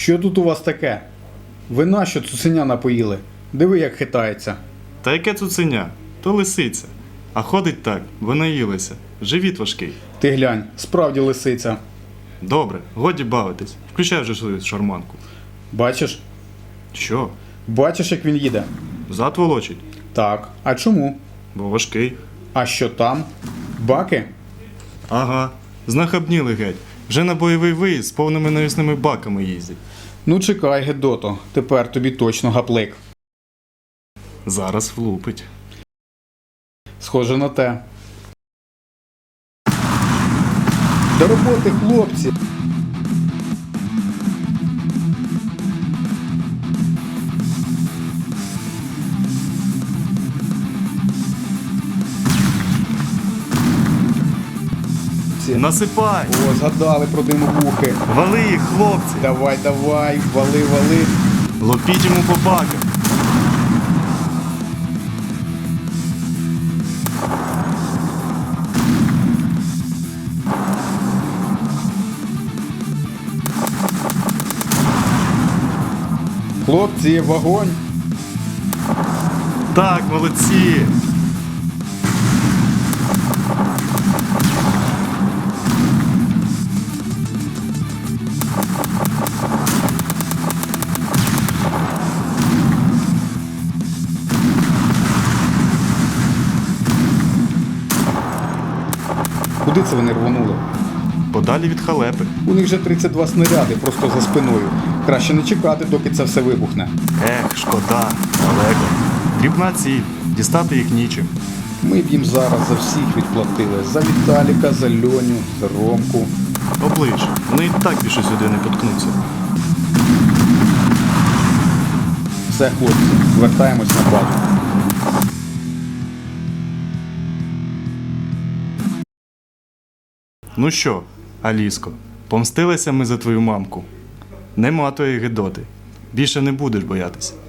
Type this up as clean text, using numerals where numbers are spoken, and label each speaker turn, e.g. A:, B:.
A: Що тут у вас таке? Ви нащо цуценя напоїли? Диви, як хитається.
B: Та яке цуценя? То лисиця. А ходить так, бо наїлася. Живіт важкий.
A: Ти глянь, справді лисиця.
B: Добре, годі бавитись. Включай вже свою шарманку.
A: Бачиш?
B: Що?
A: Бачиш, як він їде?
B: Зад волочить?
A: Так. А чому?
B: Бо важкий.
A: А що там? Баки?
B: Ага. Знахабніли геть. Вже на бойовий виїзд з повними навісними баками їздять.
A: Ну чекай, Гедото, тепер тобі точно гаплик.
B: Зараз влупить.
A: Схоже на те. До роботи, хлопці!
B: Насипай!
A: О, згадали про димовухи.
B: Вали їх, хлопці!
A: Давай, давай, вали, вали.
B: Лопіть йому по баках!
A: Хлопці, вогонь!
B: Так, молодці!
A: Куди це вони рвонули?
B: Подалі від халепи.
A: У них вже 32 снаряди просто за спиною. Краще не чекати, доки це все вибухне.
B: Ех, шкода, далеко. Дрібна ціль, дістати їх нічим.
A: Ми б їм зараз за всіх відплатили. За Віталіка, за Льоню, за Ромку.
B: Оближ, вони і так більше сюди не поткнуться.
A: Все, хлопці, вертаємось на базу.
B: Ну що, Аліско, помстилися ми за твою мамку. Нема тої Гедоти. Більше не будеш боятися.